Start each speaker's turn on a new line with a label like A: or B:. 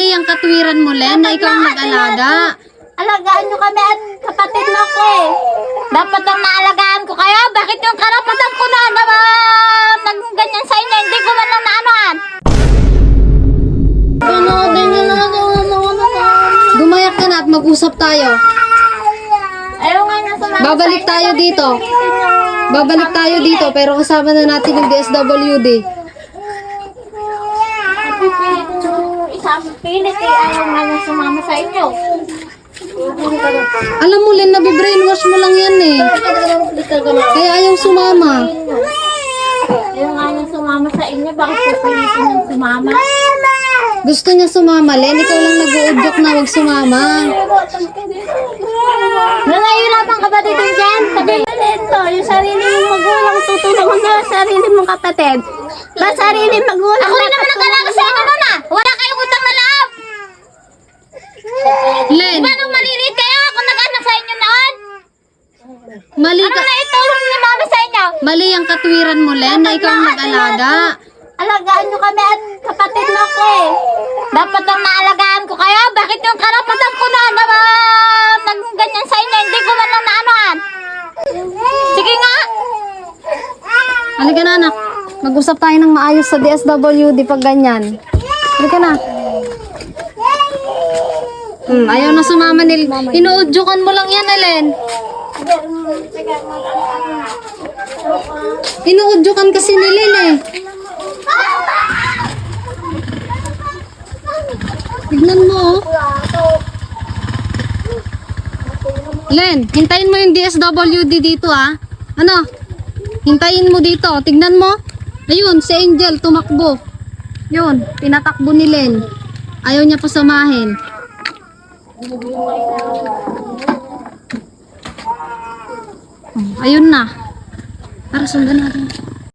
A: Mali ang katwiran mo, Len, na ikaw ang nag-alaga.
B: Alagaan nyo kami at kapatid mo ko eh. Dapat ang naalagaan ko kayo. Bakit yung karapatan ko na naging ganyan sa inyo? Hindi ko man lang naanoan.
A: Gumayak ka na at mag-usap tayo.
B: Ayaw nga na sumama
A: Babalik
B: sa inyo.
A: tayo dito. Babalik tayo dito, pero kasama na natin yung DSWD.
B: Isang pilit eh. Ayaw nga na sumama sa inyo.
A: Alam mo, Len, nabibrainwash mo lang yan eh. Kaya ayaw sumama.
B: Ayaw nga na sumama sa inyo. Bakit pupilitin yung sumama?
A: Gusto niya sumama, Len. Ikaw lang nag-uudyok na wag sumama.
B: Nangayulapan ka ba dito dyan? Sabi mo nito, yung sarili mong magulang tutulungan mo yung sarili mong kapatid. Ba sarili magulang? Ako rin naman nag-alaga sa inyo nun ah. Wala kayong utang na loob.
A: Len,
B: Diba nung maliliit kayo, ako nag-anak sa inyo noon?
A: mali
B: Ano
A: ka.
B: na itulong ni mama sa inyo?
A: Mali ang katwiran mo, Len, na ikaw ang nag-alaga.
B: Alagaan nyo kami at kapatid mo ko eh. Dapat ang naalagaan ko kayo. Bakit yung karapatan ko na naging ganyan sa inyo? Hindi ko man lang naanoan. Sige nga.
A: Halika na, anak. Mag-usap tayo ng maayos sa DSWD pag ganyan. Halika na. Ayaw na sumama nil. Inuudyokan mo lang yan, Len. Inuudyokan kasi ni Len eh. Tignan mo, oh. Len, hintayin mo yung DSWD dito, ah. Ano? Hintayin mo dito. Tignan mo. Ayun, si Angel, tumakbo. Yun, tinatakbo ni Len. Ayaw niya pasamahin. Ayun na. Tara, sundan natin.